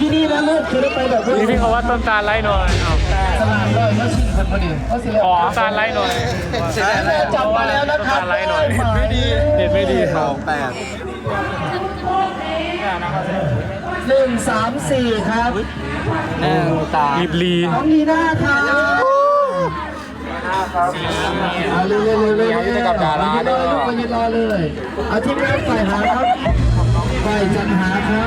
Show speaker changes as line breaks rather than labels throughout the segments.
ที่นี่นะลูกคือไปแบบ
นี่พี่เขาว่าต้นตาลไล่หน่อยเอา
ตลาดเลยเขาชิงคนพอดีเขาสิเลย
ขอตาลไล่หน่อย
จับมาแล้วนะครับ
ตาลไล่หน่อยไม่ดีเด็ดไม่ดีครับ
134ครับ
รีบลี
น้องลีน่าครับเร็วๆจะกลับดาราเด้อไปยืนรอเลยเอาทีมงานฝ่ายหาครับฝ่ายจัดหาครับ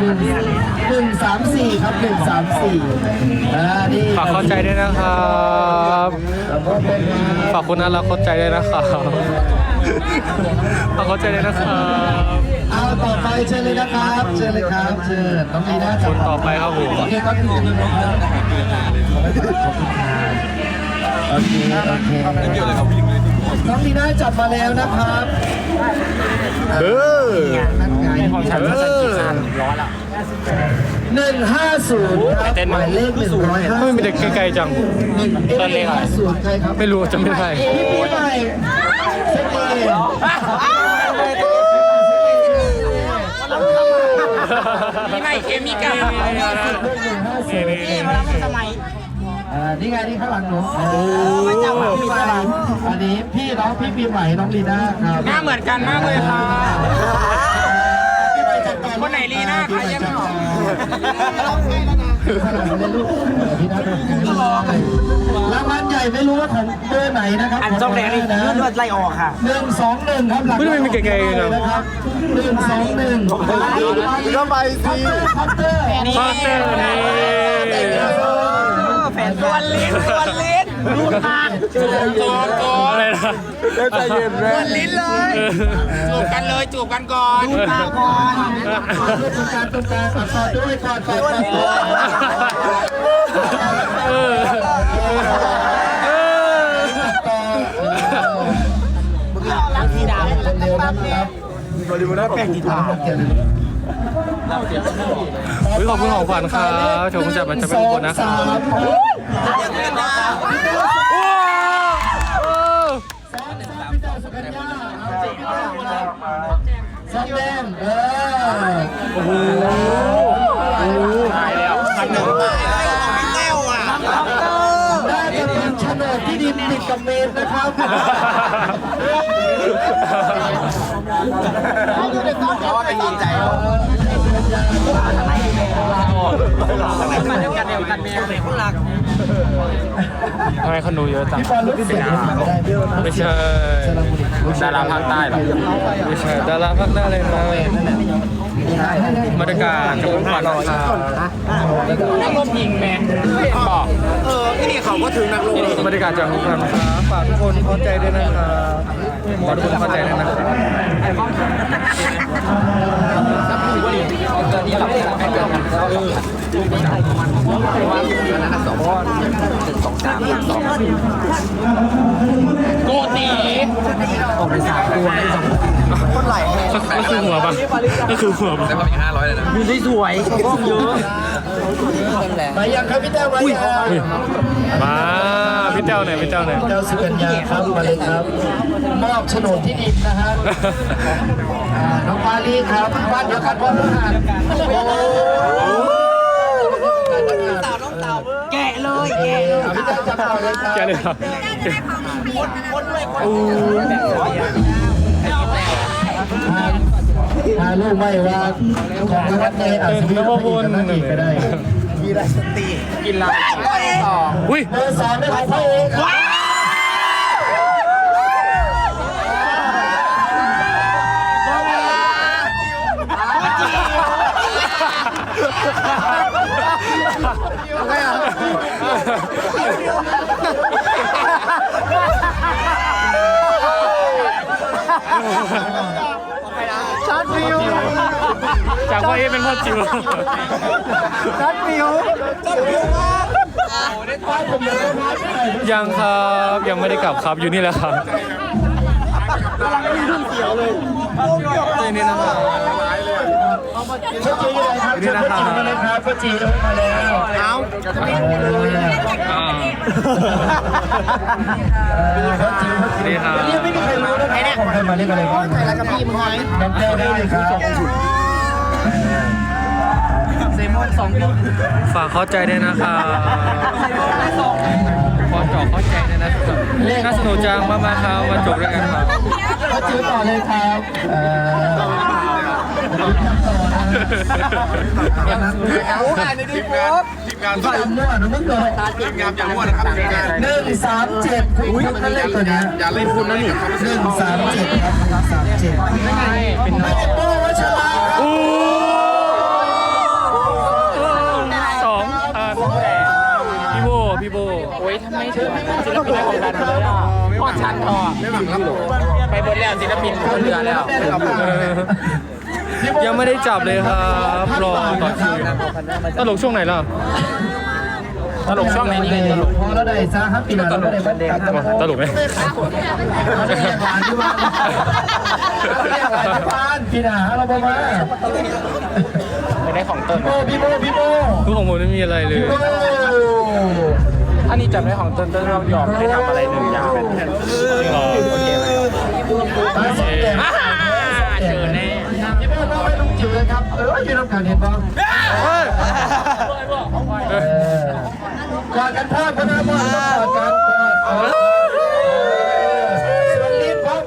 134ครับ134นี่
ฝากเข้าใจด้วยนะครับฝากคุณน่ารักเข้าใจด้วยนะครับฝากเข้าใจด้วยนะครับ
เอาต่อไปเชิญเลยนะครับเชิญเลยครับเชิญน้องลีน่า
คนต่อไปครับผม
โอเคครับโอเคน้องลีน่าจับมาแล้วนะครับนั่นไงของฉันว่าฉันกี่คันร้อยละ150ครับหมายเลข150
ไม่มีเด็กไกลๆจัง
150ใครครับ
ไม่รู้จะไม่ได้
พี่ปีใหม่เซ็ตเอง
มีใหม่เคมีกันสมัย
นี่ไงนี่ข้างหลังหนูอันนี้พี่น้องพี่ปีใหม่น้องลีน่าครับ
หน้าเหมือนกันมากเลยค่ะคนไหนลีน่าใครยังไม่ออก
รางวัลใหญ่ไม่รู้ว่าของเบอร์ไหนนะครับ
อันจ้องแดงนี่เลื่อนไล่ออกค่ะ
121ครับหลัง
ไม่มีไกลๆจัง
นะครับ121ก็ไปสิคอปเตอร์
คอปเตอร์นี่
แฟนตัวลิ้นรูดปากก่อน
อะไรนะ
ใจเย็นเลย
ลิ้นเลยจูบกันเลยจูบกันก่อนรูดปากก่อน
ตรงกลางต่อด้วยก่อน
รักสีดำ
เร็วนะครับบริบูรณ์แป้งกีตาร์
ขอบคุณของขวัญครับชมจะเป็นคนนะครับ
ซ้อมแดง
โอ้โห
ตายแล้วคันหนึ่งแก้วอ่ะ
น่าจะเป็นโฉนดที่ดินติดกับเมนนะครับ
เป็นดีใจมาเดียวกันแมวเป็นคนรัก
ทำไมคนดูเยอะจัง
พี่บอลรู้สึกยังไงได้เยอะนะ
ไม่ใช่ดาราภาคใต้หรอไม่ใช่ดาราภาคใต้เลยนะมาตรการจะเป็นขวัญนะครับ
นักลบยิงแมนบอกที่นี่เขาก็ถึงนักลบ
บรรยากาศจากทุกคนนะครับฝากทุกคนเข้าใจด้วยนะครับฝากทุกคนเข้าใจด้วยนะครับ
โกตีออกไป3 ตัวคนไหล
ก็คือหัวปะก็คือหัวปะ
ดูสวยก็เยอะ
มายังครับพี่แต้วมายัง
มาพี่เจ้าไหนพี่เจ้าไหน
เจ้าสุกัญญาครับมาเลยครับมอบโฉนดที่ดินนะฮะน้องปาลีครับบ้านเดียวกันพ่อทหาร
แกะเลย
พี่แต้วจับต่อเลยครับ
แกเลยครับ
พาลูกไม่ว่าของวัดในอาชีพพระนั่นอีกก็ได้
กินลายต่อ
อุ้ย
เบอร์2ได้ของพระเอกช็อตวิว
จากพ่อเอเป็นพ่อจิ๋ว
ช็อตวิวมาก
ยังครับยังไม่ได้กลับครับอยู่นี่แหละครับนี่นะครับ
พ่อจีเลยครับพ่อจีมาเลยครับพ่อจีมาแล้วเอาพ่อจี
นี่ครับ
ยังไม่มีใครรู้นะของใครมาเล่นอะไรบ้างใครรักกับพี่มึงไงน้ำแก้วได้ครับเซมอน
ฝากเข้าใจด้วยนะครับพอจอกเข้าใจด้วยนะครับน่าสนุกจังมากๆครับมาจบด้วยกันครับ
ก็จื้อต่อเลยครับฝ่ายมั่วนะมึงก่อน137คุณนั่นเลขตัวนี้อย่าเล่นคุณนะนี่137ครับ137ไม่ได้โป้วัชระ
พี่โบ
โอ้ยทำไมถึงศิลปินในวงการเลยอ่ะพ่อชันทอไปบนแล้วศิลปินบนเรือแล้ว
ยังไม่ได้จับเลยครับรอต่อคิวตลกช่วงไหนล่ะ
ตลกช่วงไหนนี่ไงตลก
พอแล้วได้ซะครับปีหน้าเราได้เด็ก
ตลกไหม
ปีหน้าเราบอกมา
ไม่ได้ของเติ้ล
พี่โบ
คือของผมไม่มีอะไรเลย
อันนี้จับได้ของเติ้ลเรายอมให้ทำอะไรหนึ่งอย่างเป็นโอเคไหมเจอแน่
พี่โบต้องให้ลุงจิ๋วเลยครับยืนรับการเห็นบ้างกอดกันภาพกันนะบ้างกอดกันส่วนลิ้นพ่อ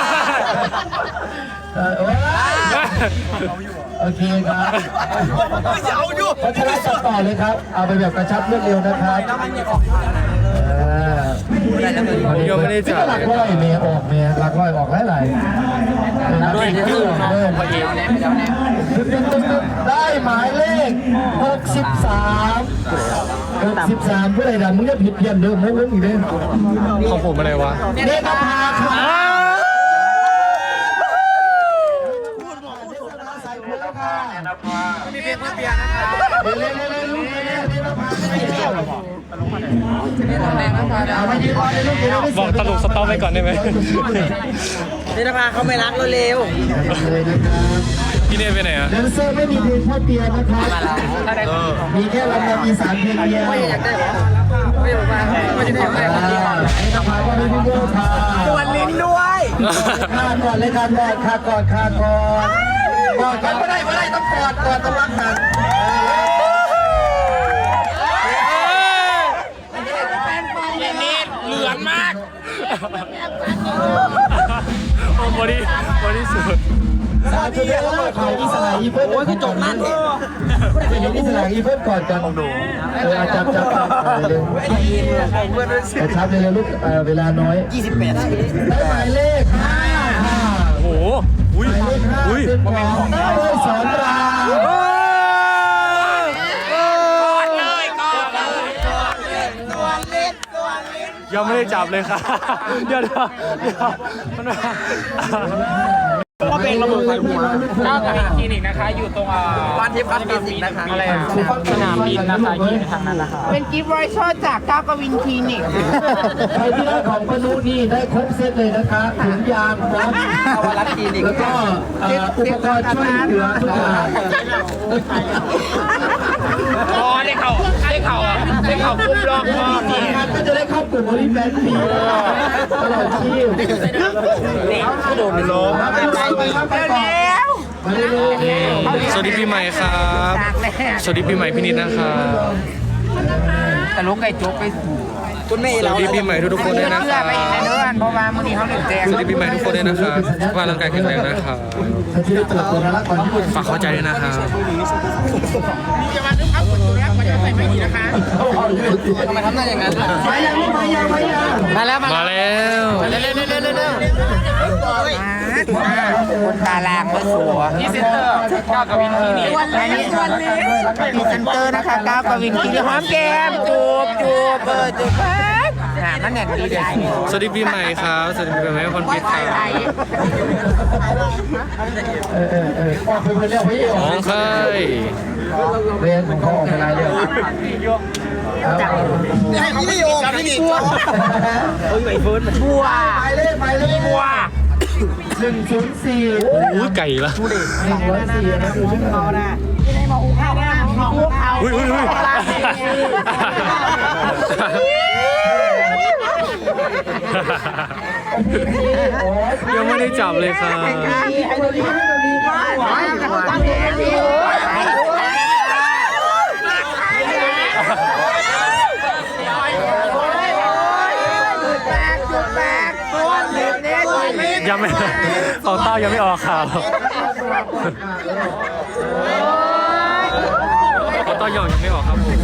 โอเคครับพัชระจับต่อเลยครับเอาไปแบบกระชับรวดเร็วนะครับ
ยังไม่ได้จับ
หลักร้อยเมียออกเมียหลักร้อยออกหลายได้หมายเลข63ผู้ใดดำมึงจะผิดเพี้ยนเดิมมึงอีกเด้อ
ของผมอะไรวะ
เนตรภาครับ
มีเพลงเพื่อเบียร์นะครับ
บอกตลกสต๊อปไว้ก่อนได้ไหม
นิรภาเขาไม่รักเร็ว
พี่เนยไปไหนอ่ะ
แดนเซอร์ไม่มีเพลงพ่อเปียนะครับมีแค่ลำนำอีสานเพลงเดียว
ไม่อยากได้หรอไม่อยากได้ไม่อยากได้
นิรภาว่าไม่พี่โบ้ค่ะ
ตวนลิ้นด้วย
คาก่อนเลยคาก่อนไม่ได้ต้องกอดต้องรักกัน
นี่เหลืองมาก
โอ้บอดี้สุด
สาธุเด้อขายอิสระอีเพิ่มโอ้ยคือจบนั่นเองเห็นอิสระอีเพิ่มก่อนกันดูจับเลยชับเลยลูกเวลาน้อย
28
ได้หมายเลข5
โอ้โหอุ้ย
สอนราม
ยังไม่ได้จับเลยค่ะเดี๋ยวมัน
ก็เป็นระบบไฟหัวก้าวกับคลินิกนะคะอยู่ตรงบ้านทิพย์คลินิกนะคะอะไรสนามบินนะคะที่ทางนั้นนะคะเป็นกิฟต์ไรเชอร์จากก้าวกวินคลินิก
ใครที่ได้ของปนุนี่ได้ครบเซตเลยนะคะถุงยางพร้อมแล้วก็อุปกรณ์ช่วยเหลือทุกอย่าง
ได้เข่าปุ๊บรอบพ่อ
นี่ก็จะได้เข้ากลุ่มบริแฟนปีตลอดชีพ
นี่ก็โดนไปล้ม
สวัสดีปีใหม่ครับสวัสดีปีใหม่พี่นิดนะครับ
แต่ลูกไก่จุ๊บไปคุณไม่
สวัสดีปีใหม่ทุกคนด้วยนะครับ
เพราะว่ามื้อนี้เขาหนึ่งแจก
สวัสดีปีใหม่ทุกคนด้วยนะครับว่าร่างกายแข็งแรงนะครับฝากเข้าใจด้วยนะครับ
จะมาดึงเอาคนตัวแรกมาจะใส่ไม่ดีนะคะทำไมทำหน้าอย่างนั้นมาแล้วคนตาลางก็สวยพรีเซนเตอร์ก้าวกวินคีนี่วันนี้พรีเซนเตอร์นะคะก้าวกวินคีนี่หอมแก้มจูบจูบมันแน่นดีเลย
สวัสดีปีใหม่ครับสวัสดีปีใหม่คนพิษครับของใคร
เรียนของเขาออกไปไรเรื่อง
ไม่โยกไม่ดีบัวไปเฟิร์นบัว
ไปเลย
บัว
104
โอ้ยไก่ละ
104นะดูชื่อเขานะ
ที่ไหนมาอุ้งข้าว
อุ้ยยังไม่ได้จับเลยครับยังไม่ของเต้ายังไม่ออกข่าวของเต้ายองยังไม่ออกครับผม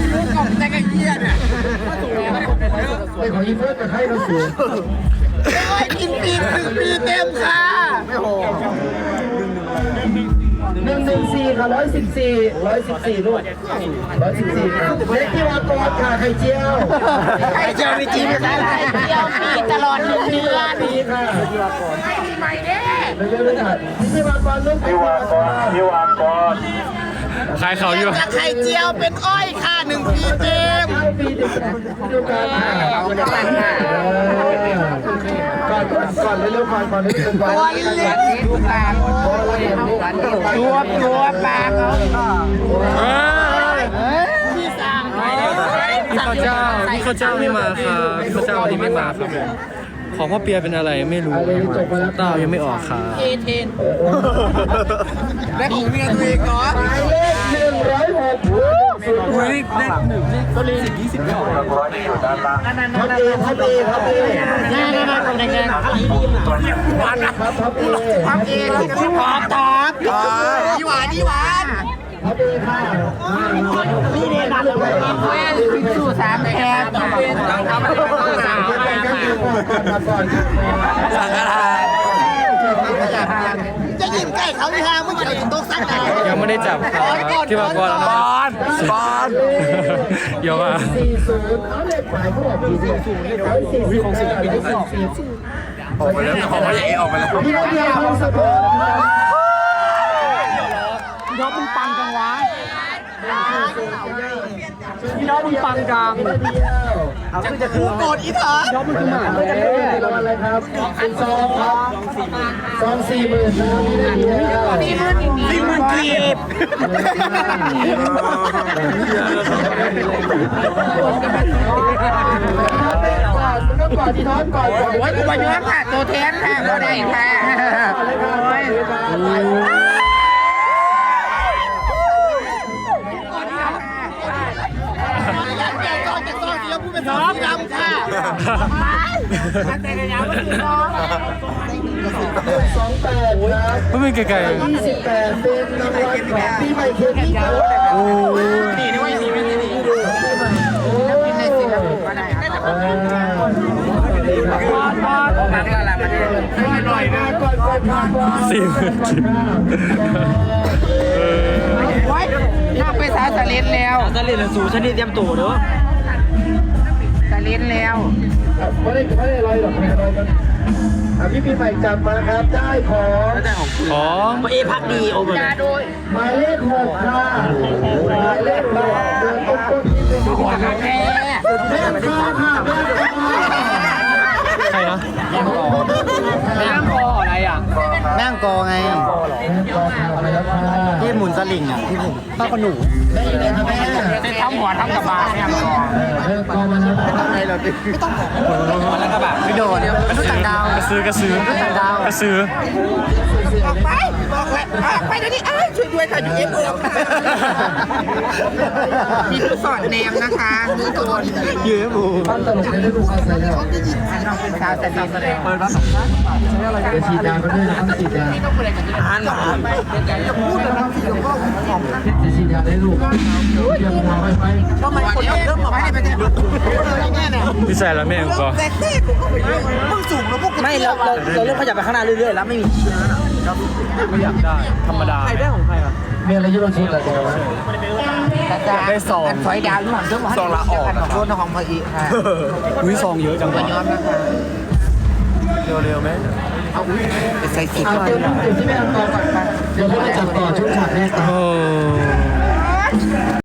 เป็นของอีเฟิร์สกับใครเราสูง
กินปี1 ปีเต็มค่ะ
114ค่ะ114ลูก114ครับเล็กที่วากรค่ะไข่เจียว
ไข่เจียวมีจีนไหมคะไข่เจียวปีตลอด1 เดือน
ปีค่ะ
ไม่มีใหม่เด้
เร็วๆเลยค่ะที่วากรลูกที่วากร
ขายเขาอยู่
และไข่เจียวเป็นอ้อยค่ะ1 ปีเต็ม
ปีเดียวกันค่ะก่อนเร็วๆก่อนเร็วๆก่อน
ตัวเล็กดูปากตัวปากเขา พี่สั่ง
พี่ข้าวเจ้าไม่มาครับพี่ข้าวเจ้าวันนี้ไม่มาครับผมของพ่อเปียเป็นอะไรไม่รู้เต้ายังไม่ออกครับ
เทนและของเมียตัวเองเนาะ
หมายเลข106
อุ้ยได้1ก็เลย20ไม่ออกครับ
ท็อปเอของแดงๆครับท็อปเอ
ทำเองที่ขอบตอบยี่หวาน
ท็อปเอค่ะนี่เนี่ยนะ
สู้3แคบต้องทำอะไรต้องสาว
ก่อน
สังฆทาน
จะยิงใกล้เขาที่ห้ามึงจะถึงโต๊ะซักได้
ยังไม่ได้จับครับที่มากรแล้วนะบอลเดี๋ยวมา
40เอาเลขหมายเขาบอก40ของ40
ออกไปแล้วของมันเองออกไปแล้ว
พี่น้องเดียวของสะพาน
น้องมึงปังจังวะ
พี่น้องมึงปังกลางเอาขึ้นจะคือ
โกรธอีเถอะ
น้องมึงคือหมาเลยรางวัลอะไรครับเป็นซองครับซอง40,000นะครับพี่นาเดียว
40,000 กีบ
ก่อนที่น้องก่อน
โอ้ยกูมาย้อนค่ะตัวแทนค่ะก็ได้ค่ะโอ้ยน้องดำค่ะแต่กระยาไม่ถึงน้อง
28ครับ
ไม่เป็นไกลๆ
28เป็นรางวัลของปีใหม่เคมีครับ
โอ้
ดีด้วยดีไม่ดีโอ้ยในสิครับก็ได้ครับมาก็ละมาหน่อยนะ
ก่อน
40,000
โอ้ยน่าไปสาสลินแล้วสลินสู่ชนิดเตรียมตัวเด้อสลินแล้ว
ไม่ได้ลอยหรอกไม่ได้ลอยกันพี่ปีใหม่จับมาครับได้ของ
ของ
เอพักดีโอ้ยโดย
หมายเลข6ค่ะหมายเลข6เดินต้นที่เป็นหัวแม่
แพ้
แม่ฟ้าค่ะแม่ฟ้า
ใครนะ
แม่งคออะไรอ่ะ
แม่งกอไง
รอข่าวไปแล้วค่ะ
ที่หมุนสลิงอ่ะที่ผมป้าขนุน
แม่อยู่ไหนคะแม่
จะทำหัวทำกระบาแม่งคอ
กองมาแล้วค่ะ
ทำไงเราดิไม่ต้องหัวแล้วกระบะไม่โดนมันต้องต่างดาว
กระซื้อกระซื้อ
ออกไปเดี๋ยวนี้ช่วยด้วยค่ะอยู่เอฟโอมีผู้สอนแนมนะคะดูตัว
ยืมหมู
ปั้นตลกในฤดูกาลใส่แล้ว
น้องเป็นสาวแต่ดีแสดง
เปิดมา2 ครั้ง
จะฉีดยาก็ด้วยนะครับฉีดยา
อ่านหรอจะพูดเลยนะที่หลวงพ่อของ
จะฉีดยาได้ลูกเตรียมหัวไว้ไป
ทำไมคนเริ่มมาให้ไปเนี่ยแม่เนี่ย
พี่ใส่แล้วแม่งก็
แต่เต้กูก็ไปเยอะมึงสูงแล้วพวกไม่เราเริ่มขยับไปข้างหน้าเรื่อยๆแล้วไม่มี
ไม่อยากได้ธรรมดา
ใครได้ของใครอ่ะ
มีอะไรที่เราชุดอะไรกันวะ
ได้ซอง
ถอยดาวอยู่หลังเจ้าหมอ
ซองละออก
ของรุ่นของพอีค่ะ
อุ้ยซองเยอะจัง
ย้อนนะคะ
เร็วไหม
เอาอุ้ยใส่สี
เอาเต็มที่แม่เอาต่อก่อนเดี๋ยวเราจะจับต่อช่วงฉากแรกต่อ
โอ้